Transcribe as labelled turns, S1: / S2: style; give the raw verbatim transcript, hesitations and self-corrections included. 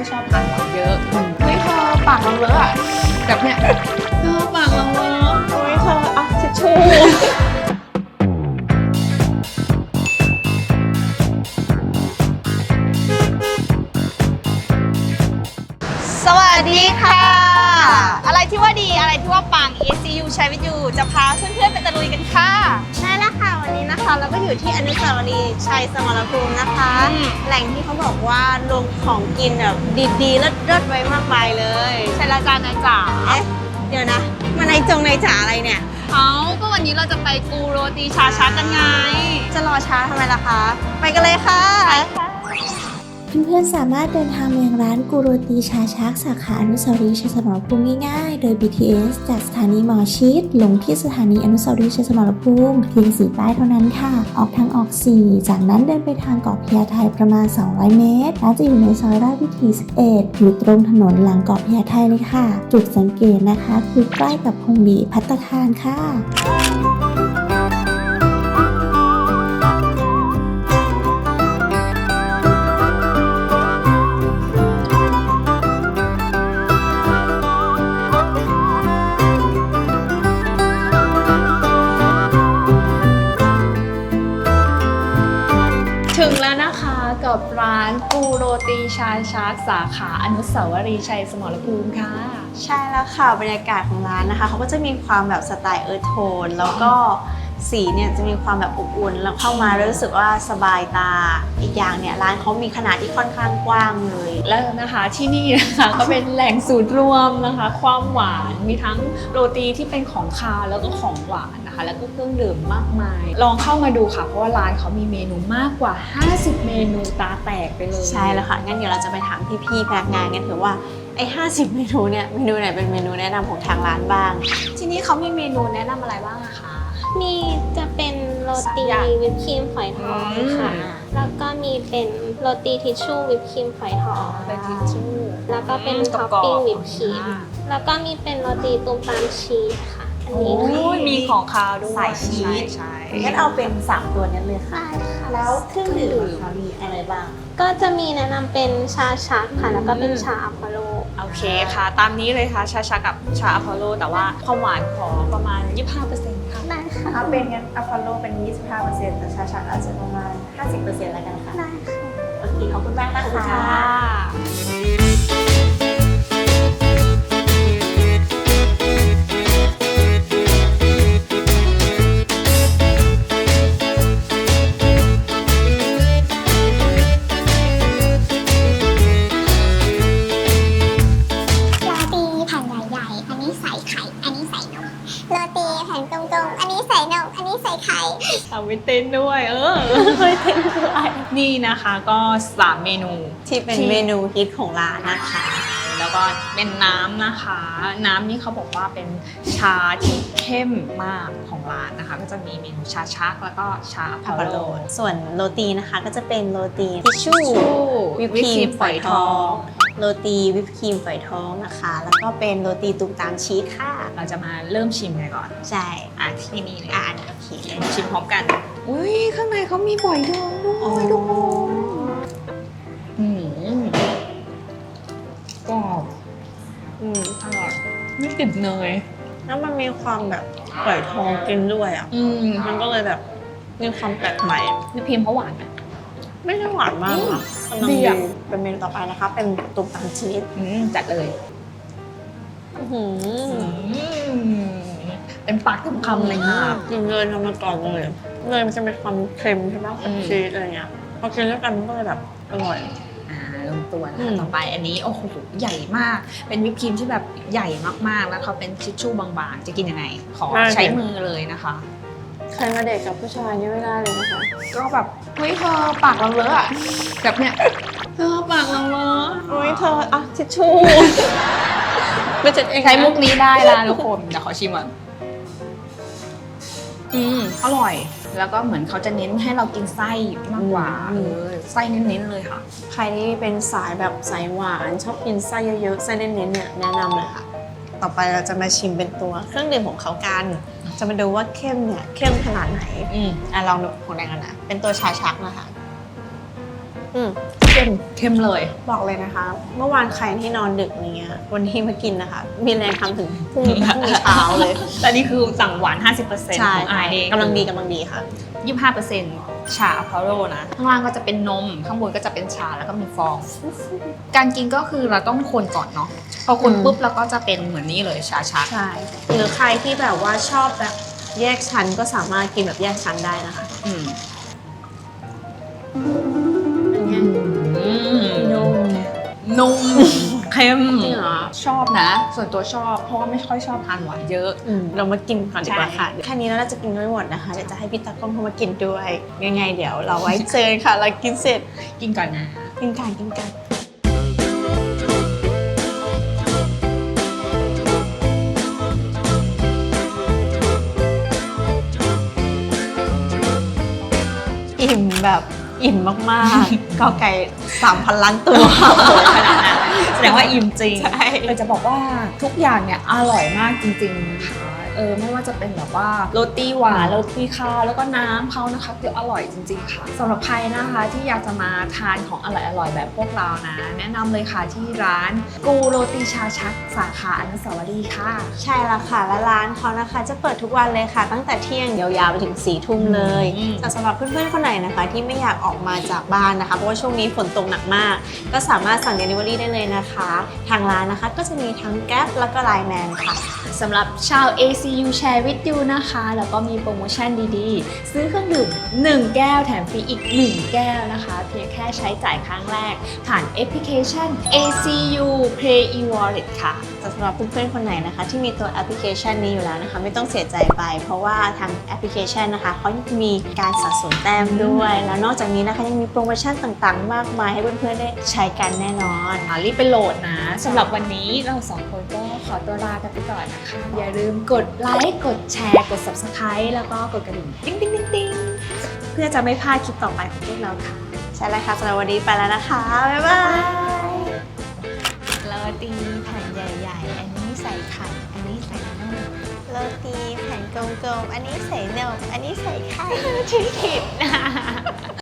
S1: ชอบทานหวานเยอะเฮ้ยเธอปากเราเลอะอะแบบเนี้ยเธอปากเราเลอะ
S2: โอ้ยเธออ่ะทิชชู่
S3: สวัสดีค่ะ อะไรที่ว่าดีอะไรที่ว่าปัง เอ ซี ยู ใช้วิทยูจะพาเพื่อนๆไปตะลุยกันค่ะใช่แล้วค่ะวันนี้นะคะเราก็อยู่ที่อนุสาวรีย์ชัยสมรภูมินะคะ แหล่งที่เขาบอกว่ารวมของกินแบบดีๆเลิศๆไว้มากมายเลยใช่แล้วจ้านายจ๋าเอ๊ะเดี๋ยวนะมานายจงนายจ๋าอะไรเนี่ย
S1: เอาก็วันนี้เราจะไปกูโรตีชาชักกันไง
S3: จะรอช้าทำไมล่ะคะ ไปกันเลยค่ะ
S4: เพื่อนๆสามารถเดินทางมายังร้านกูโรตีชาชักสาขาอนุสาวรีย์ชัยสมรภูมิง่ายๆ โดย บี ที เอส จากสถานีหมอชิตลงที่สถานีอนุสาวรีย์ชัยสมรภูมิเพียงสี่ป้ายเท่านั้นค่ะ ออกทางออกสี่จากนั้นเดินไปทางเกาะพญาไทประมาณสองร้อยเมตรร้านจะอยู่ในซอยราชวิถีสิบเอ็ดอยู่ตรงถนนหลังเกาะพญาไทเลยค่ะ จุดสังเกตนะคะคือใกล้กับพงหลีภัตตาคารค่ะ
S1: ถึงแล้วนะคะกับร้านกูโรตีชาชักสาขาอนุสาวรีย์ชัยสมรภูมิค่ะ
S3: ใช่แล้วค่ะบรรยากาศของร้านนะคะเขาก็จะมีความแบบสไตล์เอิร์ธโทนแล้วก็สีเนี่ยจะมีความแบบอบอุ่นแล้วเข้ามาแล้วรู้สึกว่าสบายตาอีกอย่างเนี่ยร้านเขามีขนาดที่ค่อนข้างกว้างเลย
S1: แล้วนะคะที่นี่นะคะก็เป็นแหล่งศูนย์รวมนะคะ ความหวานมีทั้งโรตีที่เป็นของคาวแล้วก็ของหวานนะคะ แล้วก็เครื่องดื่มมากมาย ลองเข้ามาดูค่ะเพราะว่าร้านเขามีเมนูมากกว่าห้าสิบเมนูตาแตกไปเลย
S3: ใช่แล้วค่ะงั้นเดี๋ยวเราจะไปถามพี่ๆพนักงานกันเถอะว่าไอ้ห้าสิบเมนูเนี่ยเมนูไหนเป็นเมนูแนะนำของทางร้านบ้าง
S1: ที่นี่เขามีเมนูแนะนำอะไรบ้างอะคะ
S5: มีจะเป็นโรตี
S1: สามอย่าง
S5: วิปครีมฝอยทอง
S1: อืม
S5: ค่ะ แล้วก็มีเป็นโรตีทิชชู่วิปครีมฝอยทอง
S1: เป็นทิชชู่
S5: แล้วก็เป็น
S1: อืม
S5: ท็อปปิ้ง
S1: กรอบๆ
S5: วิปครีม
S1: อ่า
S5: แล้วก็มีเป็นโรตีตูมตามชีสค่ะ อัน
S1: โอ้
S5: นี้ค่ะ
S1: ยมีของคาวด้วย
S3: สายชีส
S1: ใช่
S3: งั้นเอาเป็นสามตัวนี้เลยค่ะ
S5: ได้ค่ะ
S3: แล้วเครื่องดื่มเขามีอะไรบ้าง
S5: ก็จะมีแนะนำเป็นชาชักค่ะ แล้วก็เป็นชาอัพโล
S1: โอเคค่ะ ตามนี้เลยค่ะชาชักกับชาอพอลโลแต่ว่าความหวานขอประมาณ ยี่สิบห้าเปอร์เซ็นต์ ค่ะ
S5: ได้ค่ะ
S2: ถ้าเป็นงั้นอพอลโลเป็น ยี่สิบห้าเปอร์เซ็นต์ แต่ชาชักอาจจะประมาณ ห้าสิบเปอร์เซ็นต์ แล้วกันค่ะ
S5: ได้ค่ะ
S3: โอเคขอบคุณมากนะคะ
S1: ค่ะ
S6: โรตีแผ่นใหญ่ๆ อันนี้ใส่ไข่ อันนี้ใส่นม โรตีแผ่นตรงๆ อันนี้ใส่นม อันนี้ใส่ไข่
S1: เอาไว้เต้นด้วย เออไว้เต้นด้วยนี่นะคะก็สามเมนู
S3: ที่เป็นเมนูฮิตของร้านนะคะ
S1: แล้วก็เป็นน้ำนะคะ น้ำนี่เขาบอกว่าเป็นชาที่เข้มมากของร้านนะคะ ก็จะมีเมนูชาชักแล้วก็ชาอพอลโล
S3: ส่วนโรตีนะคะก็จะเป็นโรตีทิชชู่ วิปครีมฝอยทอง โรตีวิปครีมฝอยทองนะคะ แล้วก็เป็นโรตีตุ่มตามชีสค่ะ
S1: เราจะมาเริ่มชิมกันก่อน
S3: ใช่
S1: อ่ะที่นี่เลย
S3: อ่านโอเค
S1: ชิมพร้อมกัน อุ้ยข้างในเขามีฝอยทองด้วยทุกคนอืมกรอบ
S3: อืม
S1: อร่อยไม่ติดเนย
S3: แล้วมันมีความแบบฝอยทองกินด้วยอ่ะ
S1: อืม
S3: มันก็เลยแบบมีความแปลกใหม่
S1: วิปครีมเขาหวานไหม
S3: ไม่ได้หวานมากนะกำลัง
S1: ดี
S3: ดี
S1: อะ
S3: เป็นเมนูต่อไปนะคะ เป็นตุ่มตามชีส
S1: อืมจัดเลย
S3: อื้อหือ
S1: อืมเป็นปากเต็มคำเลยค่ะ
S3: กินเลยทำมาก่อนเลยเลยมันจะมีความเค็มใช่ไหมกับ
S1: อืม
S3: ชีสอะไรเงี้ยพอกินด้วยกันมันก็เลยแบบอร่อย
S1: อ่าลงตัวนะ
S3: อื
S1: คะ
S3: ม
S1: ต่อไปอันนี้โอ้โหใหญ่มาก เป็นวิปครีมที่แบบใหญ่มากๆ แล้วเขาเป็นทิชชู่บางๆ จะกินยังไง ขอใช้มือเลยนะคะ
S3: ใครมาเด็กกับผู้ชายนี่ไม่ได้เลยนะคะ
S1: ก็แบบเฮ้ยเธอปากเราเลอะอะแบบเนี้ยเธอปากเราเลอะ
S3: โอ้ยเธออ่ะทิชชู่ไม่จัดเองนะ
S1: ใช้มุกนี้ได้ละทุกคนเดี๋ยวขอชิมก่อนอืมอร่อย แล้วก็เหมือนเขาจะเน้นให้เรากินไส้มากกว่าเออไส้เน้นๆเลยค่ะ
S3: ใครที่เป็นสายแบบสายหวานชอบกินไส้เยอะๆไส้เน้นๆเนี่ยแนะนำเลยค่ะ ต่อไปเราจะมาชิมเป็นตัวเครื่องดื่มของเขากัน จะมาดูว่าเข้มเนี่ยเข้มขนาดไหน
S1: อืม
S3: อ่ะลองดูของแดงกันนะเป็นตัวชาชักนะคะ อืมเข้ม
S1: เข้มเลย
S3: บอกเลยนะคะ เมื่อวานใครที่นอนดึกอะไรเงี้ยวันนี้มากินนะคะ มีแรงทำถึงพรุ่งนี้พรุ่งนี้เช้าเลย
S1: แต่นี่คือสั่งหวาน ห้าสิบเปอร์เซ็นต์
S3: ใช่
S1: ของไอ
S3: ค่ะ
S1: เอง
S3: กำลังดีกำลังดีค่ะ
S1: ยี่สิบห้าเปอร์เซ็นต์ชาอะพาโรนะ ข้างล่างก็จะเป็นนม ข้างบนก็จะเป็นชาแล้วก็มีฟอง การกินก็คือเราต้องคนก่อนเนาะ พอคน
S3: อืม
S1: ปุ๊บแล้วก็จะเป็นเหมือนนี้เลยชาชัก
S3: ใช่ หรือใครที่แบบว่าชอบแบบแยกชั้นก็สามารถกินแบบแยกชั้นได้นะคะ
S1: อืม
S3: อันเนี้ย
S1: อืม
S3: นุ่ม
S1: นุ่ม เข้ม
S3: จริงเหรอ
S1: ชอบนะ ส่วนตัวชอบ เพราะว่าไม่ค่อยชอบทานหวานเยอะ
S3: อืมเรามากินก่อนดีกว่า
S1: ใช่
S3: ค่ะแค่นี้แล้วเราจะกินไม่หมดนะคะเดี๋ยวจะให้พี่ตากล้องเข้ามากินด้วยยังไงเดี๋ยวเราไว้เจอค่ะเรากินเสร็จ
S1: กินก่อนนะ
S3: กินกันกินกันอิ่มแบบอิ่มมากๆ ก็ไก่สามพันล้านตัว
S1: ขนาดนั้นแสดงว่าอิ่มจริง
S3: ใช่
S1: เราจะบอกว่าทุกอย่างเนี่ยอร่อยมากจริงๆนะคะเออไม่ว่าจะเป็นแบบว่าโรตีหวานโรตีคาวแล้วก็น้ำเขานะคะคืออร่อยจริงๆค่ะสำหรับใครนะคะที่อยากจะมาทานของอร่อยๆแบบพวกเรานะ แนะนำเลยค่ะที่ร้านกูโรตีชาชักสาขาอนุสาวรีย์ค่ะ
S3: ใช่แล้วค่ะและร้านเขานะคะจะเปิดทุกวันเลยค่ะ ตั้งแต่เที่ยงยาวๆไปถึงสี่ทุ่มเลย
S1: อืม
S3: แต่สำหรับเพื่อนๆคนไหนนะคะ ที่ไม่อยากออกมาจากบ้านนะคะเพราะว่าช่วงนี้ฝนตกหนักมาก ก็สามารถสั่ง Delivery ได้เลยนะคะ ทางร้านนะคะก็จะมีทั้ง Grab แล้วก็ ไลน์ แมน ค่ะ
S1: สำหรับชาว เอ ซี ยู Share with you นะคะ แล้วก็มีโปรโมชั่นดีๆ ซื้อเครื่องดื่มหนึ่งแก้วแถมฟรีอีกหนึ่งแก้วนะคะ เพียงแค่ใช้จ่ายครั้งแรก ผ่านแอปพลิเคชัน เอ ซี ยู Play e-wallet ค่ะ
S3: แต่สำหรับเพื่อนๆคนไหนนะคะที่มีตัวแอปพลิเคชันนี้อยู่แล้วนะคะไม่ต้องเสียใจไป เพราะว่าทางแอปพลิเคชันนะคะเขามีการสะสมแต้มด้วย แล้วนอกจากนี้นะคะยังมีโปรโมชั่นต่างๆ มากมายให้เพื่อนๆได้ใช้กันแน่นอน
S1: อ่ารีบไปโหลดนะสำหรับวันนี้เราสองคนก็ขอตัวลากันไปก่อนนะคะ อย่าลืมกดไลค์กดแชร์กด Subscribe แล้วก็กดกระดิ่งติ๊งติ๊งติ๊งติ๊งเพื่อจะไม่พลาดคลิปต่อไปของพวกเราค่ะ
S3: ใช่แล้วค่ะสำหรับวันนี้ไปแล้วนะคะ บ๊ายบาย
S1: โรตีแผ่นใหญ่ๆ อันนี้ใส่ไข่ อันนี้ใส่นม
S3: โรตีแผ่นกลมๆอันนี้ใส่นมอันนี้ใส่ไข่
S1: ที่ผิดนะ